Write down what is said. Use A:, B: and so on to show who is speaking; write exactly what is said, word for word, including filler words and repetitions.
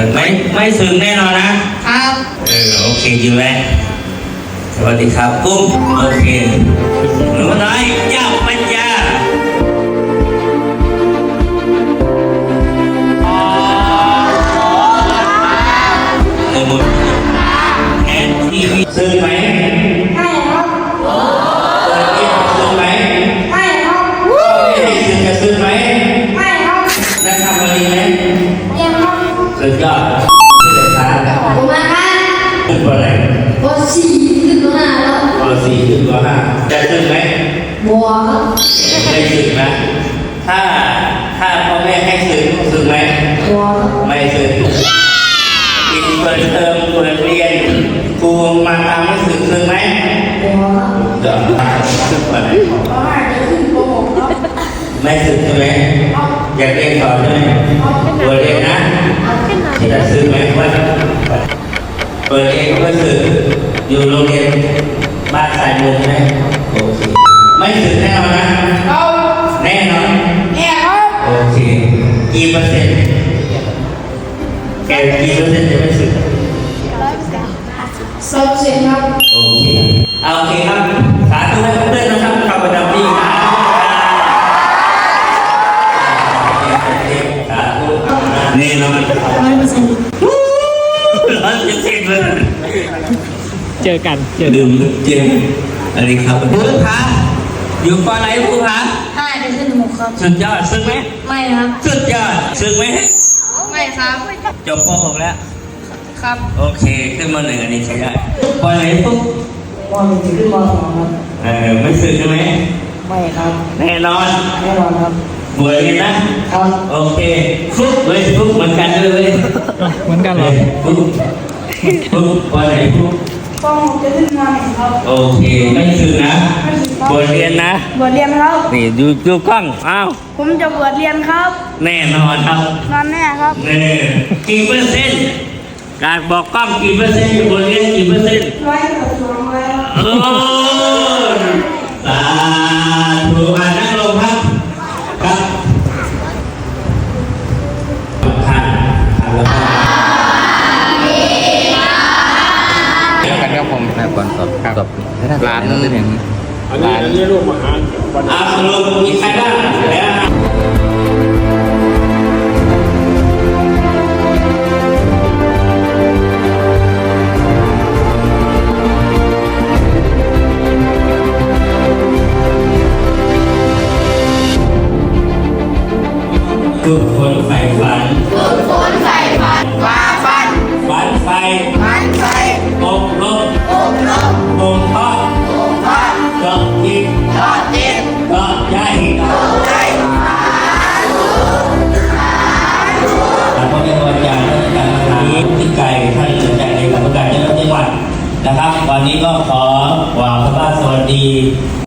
A: ไม่ไม่ซึ้งแน่นอนนะครับเออโอเคอยู่แล้วสวัสดีครับกุ้งโอเคหนูน้อยเจ้าปัญญาในบทแอนทีวีซึ้งไหม
B: ไม่ครับ
A: เปิดเกมซึ้งไหม
B: ไม่ครับ
A: ไม่ให้ซึ้งจะซึ้งไหม
B: ไม่ครับ
A: ได้ทำอะไรไหม
B: เรียนครับ
A: สุดยอดที่เหลือครับ
B: ผมมาครับ
A: ขึ้นปอะไร
B: ปสี่ขึ้นปห้าแล้ว
A: ปสี่ขึ้นปห้าจะซึ้งไหม
B: บัวครับ
A: ไม่ซึ้งนะถ้าถ้าพ่อแม่ให้ซึ้งซึ้งไหม
B: บัว
A: ไม่ซึ้งกินเปิดเทอมเปิดเรียนครูมาทำให้ซึ้งซึ้งไหม
B: บัว
A: เดี๋ยวซึ้งปอะไร
B: ปห้าจะขึ้นปหกครับ
A: ไม่ซึ้งใช่ไหมอยากเรียนต่อใช่ไหมตัวเรียนนะจะซึ้งไหมว่าเปิดเองก็ซึ้งอยู่โรงเรียนบ้านสายมุมไหมโอเคไม่ซึ้งแน่นอนนะแน่นอน
B: แน่ครับ
A: โอเคกี่เปอร์เซ็นต์แกกี่เปอร์เซ็นต์จะไม่ซึ้ง
B: สองเซนครับ
A: โอเคเอาโอเคครับสาธุให้เพื่อนนะครับเข้าประจำที่นะสาธุนี่เรา
B: ร้อยเปอร์เซ็นต์
A: ร้อยเปอร์เซ็นต์เลย
C: เจอกันเจอ
A: ดื่มเจมอะไรครับผู้พาอยู่ปอไหนผู้พา
B: ห้าจะขึ้นหกครับ
A: สุดยอดซึ้งไหม
B: ไม่ครับ
A: สุดยอดซึ้งไหม
B: ไม่ครับ
A: จบปหกแล้ว
B: ครับ
A: โอเคขึ้นมาหนึ่งอันนี้ใช้ได้ปอไหนปุ๊บ
B: ปหนึ่งจะขึ้นมสองครับ
A: เออไม่ซึ้งใช่ไหม
B: ไม่ครับ
A: แน่นอน
B: แน่นอนครับ
A: บวยกันนะครับโอเคฟุ๊บเลยฟุ๊บเหมือนกันเลยเว้ย
C: เหมือนกันเหรอ
A: ฟุ๊บฟุ๊บปอไหนฟุ๊บ
B: ปหกจะขึ้นมหนึ่งครับ
A: โอเคไม่ซึ้งนะบวชเรียนนะ
B: บวชเรียนครับ
A: นี่ดูดูกล้องอ้าว
B: ผมจะบวชเรียนครับ
A: แน่นอนครับ
B: นอนแน่ครับ
A: นี่กี่เปอร์เซ็นต์การบอกกล้องกี่เปอร์เซ็นต์บวชเรียนกี่เปอร์เซ็นต์
B: ร้อยกับสองร้อย
A: โอ้สาธุอ่านนั่งลงครับครับท่านท่านแล้วก็
C: กันครับผมนะก่อนสอบครับร้านนั่นเอง
D: อันนี้อันนี้รูปมหาวัน
A: อาสรุปมีใครบ้างแล้วทุกคนใฝ่ฝัน
B: ทุกคนใฝ่ฝันว่าฝัน
A: ฝันไฟ
B: ฝันไฟ
A: อบรม
B: อบรม
A: บ่มเพาะ
B: บ่มเพาะ
A: เจาะจิต
B: เจาะจิต
A: เจาะใจเจาะ
B: ใจสาธุสาธุ
A: ท่านพ่อแม่ครูอาจารย์ท่านอาจารย์มหาที่ไกลท่านอาจารย์ในกรรมการเจ้าหน้าที่จังหวัดนะครับวันนี้ก็ขอกล่าวพระบาทสวัสดี